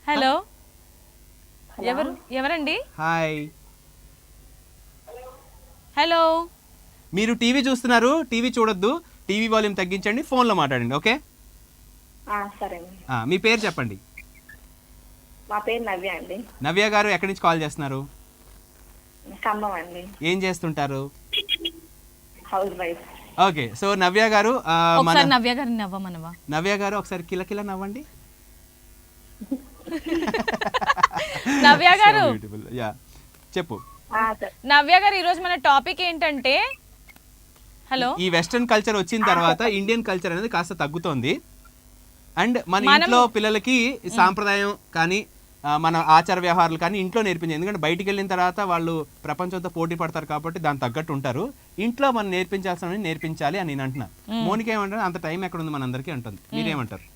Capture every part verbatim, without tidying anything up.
Hello ఎవరు ఎవరండి? Hi, hello. మీరు టీవీ చూస్తున్నారు, టీవీ చూడొద్దు, టీవీ వాల్యూమ్ తగ్గించండి, ఫోన్లో మాట్లాడండి. ఓకే, సరే. మీ పేరు చెప్పండి. మా పేరు నవ్య అండి. నవ్య గారు ఎక్కడి నుంచి కాల్ చేస్తున్నారు? ఖమ్మం అండి. ఏం చేస్తుంటారు? Housewife. Okay, so Navya గారు ఆ, మన ఒకసారి నవ్య గారిని నవ్వమనవా? నవ్య గారు ఒకసారి కిలకిల నవ్వండి. నవ్య గారు, యా చెప్పు. ఆ, సరే. నవ్య గారు ఈరోజు మన టాపిక్ ఏంటంటే, హలో, ఈ వెస్టర్న్ కల్చర్ వచ్చిన తర్వాత ఇండియన్ కల్చర్ అనేది కాస్త తగ్గుతోంది. అండ్ మన మనం- ఇంట్లో పిల్లలకి ఈ సాంప్రదాయం కానీ ఆ, మన ఆచార వ్యవహారాలు కానీ ఇంట్లో నేర్పించాలి. ఎందుకంటే బయటికి వెళ్ళిన తర్వాత వాళ్ళు ప్రపంచంతో పోటీ పడతారు కాబట్టి దాని తగ్గట్టు ఉంటారు. ఇంట్లో మనం నేర్పించాల్సిన నేర్పించాలి అని నేను అంటున్నా. మోనిక ఏమంటారు? అంత టైం ఎక్కడ ఉంది మనందరికీ అంటుంది. మీరేమంటారు?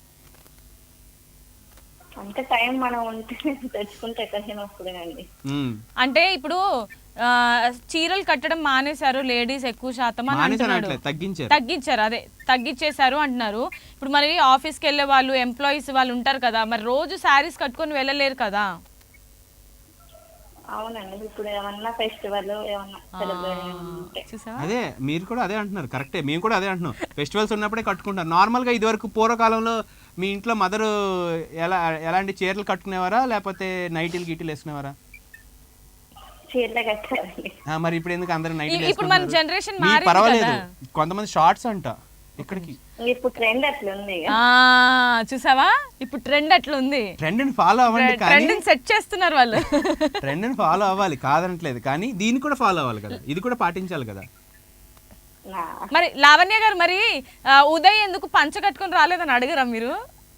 అంత టైం మనం ఉంటే తెచ్చుకుంటే ఎక్కడికైనా వస్తుందండి. మ్మ్. అంటే ఇప్పుడు ఆ, చీరలు కట్టడం మానేశారు లేడీస్ ఎక్కువ శాతం అని మానేసారు అంటున్నాడు. అనట్లేదు, తగ్గించారు. తగ్గించారు, అదే తగ్గించేశారు అంటున్నారు. ఇప్పుడు మరి ఆఫీస్కి వెళ్ళే వాళ్ళు, ఎంప్లాయీస్ వాళ్ళు ఉంటారు కదా, మరి రోజు శారీస్ కట్టుకొని వెళ్ళలేరు కదా. అవునండి, ఇప్పుడు ఏమన్నా ఫెస్టివల్ ఏమన్నా సెలబ్రేషన్ ఉంటే చూసావా? అదే మీరు కూడా అదే అంటున్నారు. కరెక్టే, మేము కూడా అదే అంటున్నాం. ఫెస్టివల్స్ ఉన్నప్పుడే కట్టుకుంటారు. నార్మల్గా ఇదివరకు పూర్వకాలంలో మీ ఇంట్లో మదరు ఎలా ఎలాంటి చీరలు కట్టుకునేవారా లేకపోతే నైటీలు గిటీలు వేసుకునేవారా? చీరలే కట్టారండి. ఆ, మరి ఇప్పుడు ఎందుకు అందరూ నైటీలు ఇప్పుడు మన వేసుకుంటున్నారు? జనరేషన్ మీ మారింది పర్వాలేదు, కదా. కొంతమంది షార్ట్స్ అంట ఇక్కడికి. ఇప్పుడు ట్రెండ్ అట్లుంది ఇక. ఆ, చూసావా, ఇప్పుడు ట్రెండ్ అట్లుంది. ట్రెండ్ని ఫాలో అవ్వండి, కానీ ట్రెండ్ సెట్ చేస్తున్నారు వాళ్ళు. ట్రెండ్ని ఫాలో అవ్వాలి కాదనట్లేదు, కానీ దీన్ని కూడా ఫాలో అవ్వాలి కదా, ఇది కూడా పాటించాలి కదా. నా మరి లావణ్య గారు, మరి ఆ, ఉదయ్ ఎందుకు పంచ కట్టుకొని రాలేదని అడగరా మీరు?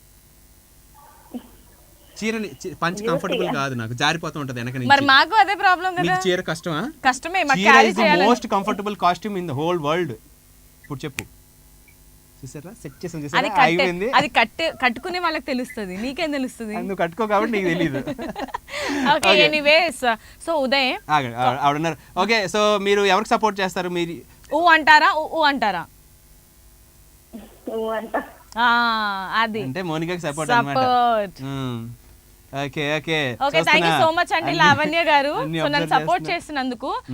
చీరని చి- పంచి కంఫర్టబుల్ కాదు, నాకు జారిపోతూ ఉంటది వెనక మరి నుంచి. మాకు అదే ప్రాబ్లం కదా. మీకు చీర కష్టమా? కష్టమే మాకు చీర క్యారీ ఇస్ ద చేయాలి. Most comfortable costume in the whole world. ఇప్పుడు చెప్పు, చూసారా సెట్ చేసాం, అది చూసారా కట్టే అయిపోయింది. అది కట్టే కట్టుకునే వాళ్ళకి తెలుస్తుంది, నీకేం తెలుస్తుంది? నువ్వు కట్టుకో కాబట్టి నీకు తెలియదు. ఓకే, ఎనీవేస్, సో ఉదయ్ ఆగండి, ఆవిడ ఆవిడ ఉన్నారు. ఓకే, సో మీరు ఎవరికి సపోర్ట్ చేస్తారు? మీరు ఊ అంటారా, ఊ ఊ అంటారా? నువ్వు అంట ఆ, అది అంటే మోనికాకి సపోర్ట్ అన్నమాట. Support. Okay okay okay, thank you so much అండి లావణ్య గారు, అన్ని సో నన్ను observe సపోర్ట్ చేస్తున్నా. చేసినందుకు.